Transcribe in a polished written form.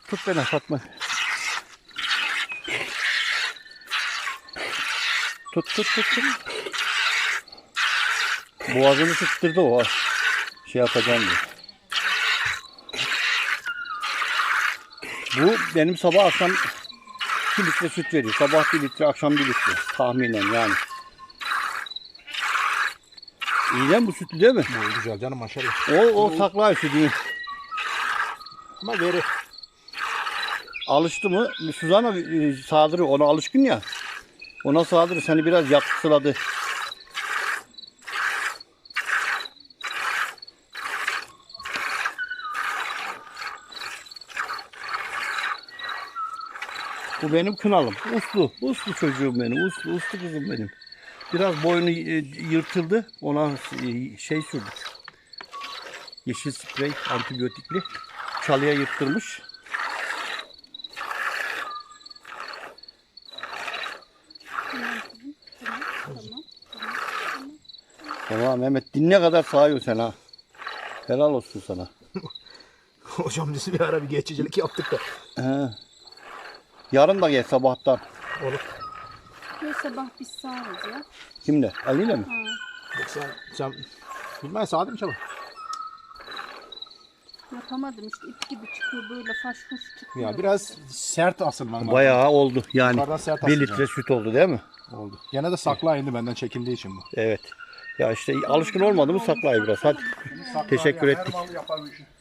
Tut beni Fatma. Tut. Boğazını sıktırdı o. Şey yapacağım diye. Bu benim sabah akşam 2 litre süt veriyor. Sabah 1 litre, akşam 1 litre. Tahminen yani. İyi değil mi bu sütlü değil mi? Bu güzel canım maşallah. O saklar sütünü. Ama veri. Alıştı mı? Suzan'a sağdırıyor. Ona alışkın ya. Ona sağdırıyor. Seni biraz yaksıladı. Bu benim kınalım. Uslu çocuğum benim. Uslu kızım benim. Biraz boynu yırtıldı. Ona şey sürdük. Yeşil sprey, antibiyotikli. Çalıya yırttırmış. Tamam Mehmet, dinle kadar sağıyor sen ha. Helal olsun sana. Hocam biz bir ara bir geçicilik yaptık da. He. Yarın da gel sabahtan. Olur. Ne sabah biz sağırız ya. Kimle? Ali'yle mi? Ha. Sen bilmem sağdım çabuk. Yapamadım işte ip gibi çıkıyor böyle faş fuş çıkıyor. Ya biraz sert asılman lazım. Bayağı oldu yani. Yukarıdan sert 1 asılacak. litre süt oldu değil mi? Oldu. Gene de sakla indi benden çekindiği için bu. Evet. Ya işte alışkın olmadı mı saklayı biraz. Hadi. Teşekkür ettik. Yapar bu işi.